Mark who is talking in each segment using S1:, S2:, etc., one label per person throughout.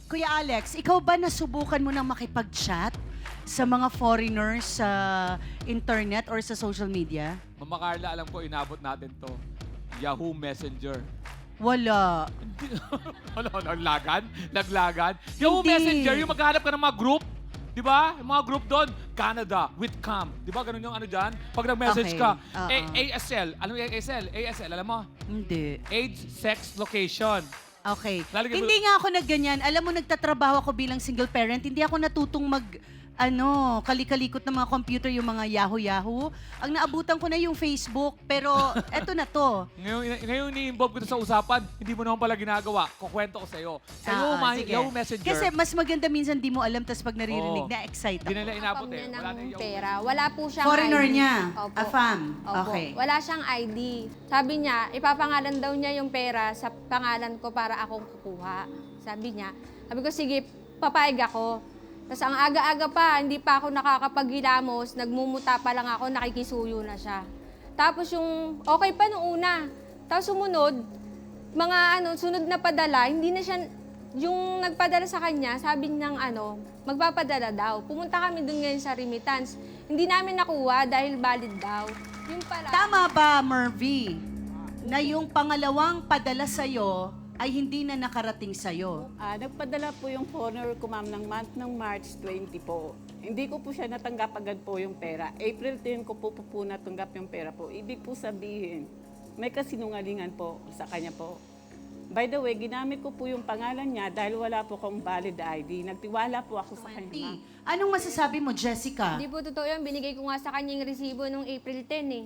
S1: Kuya Alex, ikaw ba nasubukan mo nang makipag-chat sa mga foreigners sa internet or sa social media?
S2: Mama Carla, alam ko, inabot natin to. Yahoo Messenger.
S1: Wala.
S2: Naglagan? Naglagan? Yahoo
S1: Hindi.
S2: Messenger, yung maghahanap ka ng mga group. Di ba? Yung mga group doon, Canada, with Cam. Di ba? Ganun yung ano dyan. Pag nag-message
S1: Okay.
S2: ka,
S1: Oo.
S2: ASL. Alam mo yung ASL? ASL, alam mo?
S1: Hindi.
S2: Age, sex, location.
S1: Okay.
S2: Lalagyan mo-
S1: Hindi nga ako nagganyan. Alam mo, nagtatrabaho ako bilang single parent. Hindi ako natutong kalikalikot ng mga computer, yung mga Yahoo. Ang naabutan ko na yung Facebook, pero eto na to.
S2: Ngayon ni-involve ko sa usapan, hindi mo naman pala ginagawa. Kukwento ko sa'yo. Sa
S1: Sige.
S2: Yahoo Messenger.
S1: Kasi mas maganda minsan di mo alam, tas pag naririnig,
S2: Oo.
S1: na-excite
S2: Hindi
S1: ako.
S2: nila inabot
S3: Account
S2: eh.
S3: niya
S2: Wala na
S3: ng
S2: yung Yahoo
S3: pera. Wala po siyang
S1: Foreigner
S3: ID.
S1: niya,
S3: Opo.
S1: AFAM.
S3: Opo.
S1: Okay.
S3: Wala siyang ID. Sabi niya, ipapangalan daw niya yung pera sa pangalan ko para akong kukuha. Sabi ko, sige, papayag ako. Tapos ang aga-aga pa, hindi pa ako nakakapaghilamos, nagmumuta pa lang ako, nakikisuyo na siya. Tapos yung, okay pa nung una. Tapos sumunod, sunod na padala, hindi na siya, yung nagpadala sa kanya, sabi niyang magpapadala daw. Pumunta kami dun ngayon sa remittance. Hindi namin nakuha dahil valid daw. Yung pala.
S1: Tama ba, Mervy, na yung pangalawang padala sa'yo ay hindi na nakarating sa'yo?
S4: Nagpadala po yung foreigner ko, ma'am, ng month ng March 20 po. Hindi ko po siya natanggap agad po yung pera. April 10 ko po natanggap yung pera po. Ibig po sabihin, may kasinungalingan po sa kanya po. By the way, ginamit ko po yung pangalan niya dahil wala po akong valid ID. Nagtiwala po ako sa kanya, ma'am.
S1: Anong masasabi mo, Jessica?
S3: Hindi po totoo yun. Binigay ko nga sa kanya yung resibo nung April 10 eh.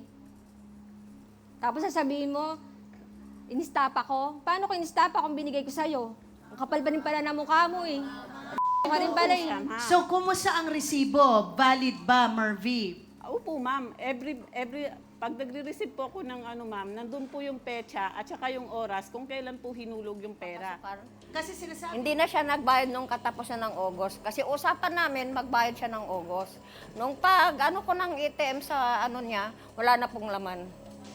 S3: Tapos sasabihin mo, in-stop ako. Paano ko in-stop kung binigay ko sa'yo? Ang kapal pa rin pala na mukha mo eh. Ka rin pala eh.
S4: Siya, ma'am.
S1: So, kumusta ang resibo? Valid ba, Mervy?
S4: Opo, ma'am. Pag nagre-receive po ako ng ma'am, nandun po yung petsa at saka yung oras kung kailan po hinulog yung pera.
S1: Kasi sinasabi,
S5: Hindi na siya nagbayad nung katapusan ng August. Kasi usapan namin, magbayad siya ng August. Nung ko ng ATM sa niya, wala na pong laman.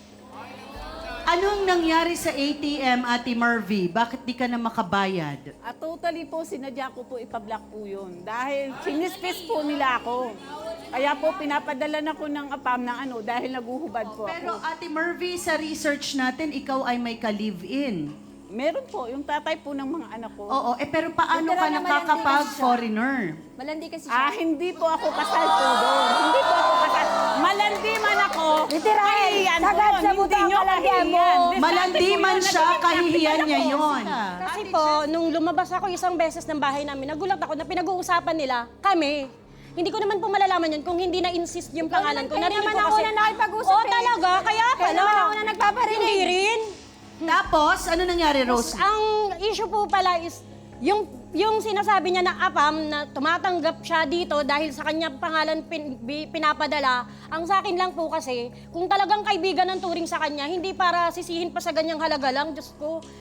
S1: anong nangyari sa ATM, Ate Mervy? Bakit di ka na makabayad?
S4: Totally po, sinadya ko po ipablock po yun. Dahil sinispis po nila ako. Kaya po, pinapadala na ko ng APAM ng dahil naguhubad po
S1: Pero
S4: ako.
S1: Ate Mervy, sa research natin, ikaw ay may ka-live-in.
S4: Meron po, yung tatay po ng mga anak ko.
S1: Oo, pero paano
S3: Literal
S1: ka
S3: naman,
S1: nakakapag-foreigner?
S3: Malandi kasi siya.
S4: Hindi po ako kasal po doon. Hindi po ako kasal. Malandi man ako. Kahihiyan po. Hindi nyo kahihiyan.
S1: Malandi man siya, kahihiyan niya yon.
S6: Kasi po, nung lumabas ako isang beses ng bahay namin, nagulat ako na pinag-uusapan nila kami. Hindi ko naman po malalaman yun kung hindi na-insist yung pangalan ko.
S3: Kaya
S6: Narinig
S3: naman
S6: ko
S3: ako
S6: kasi-
S3: na nakipag-usap
S6: Oo,
S3: eh.
S6: talaga. Kaya
S3: Kaya
S6: pala.
S3: naman ako na nagpaparinig.
S6: Hindi rin.
S1: Tapos, ano nangyari, Rose?
S6: Ang issue po pala is, yung sinasabi niya na APAM na tumatanggap siya dito dahil sa kanya pangalan pinapadala, ang sa akin lang po kasi, kung talagang kaibigan ng turing sa kanya, hindi para sisihin pa sa ganyang halaga lang, Diyos ko.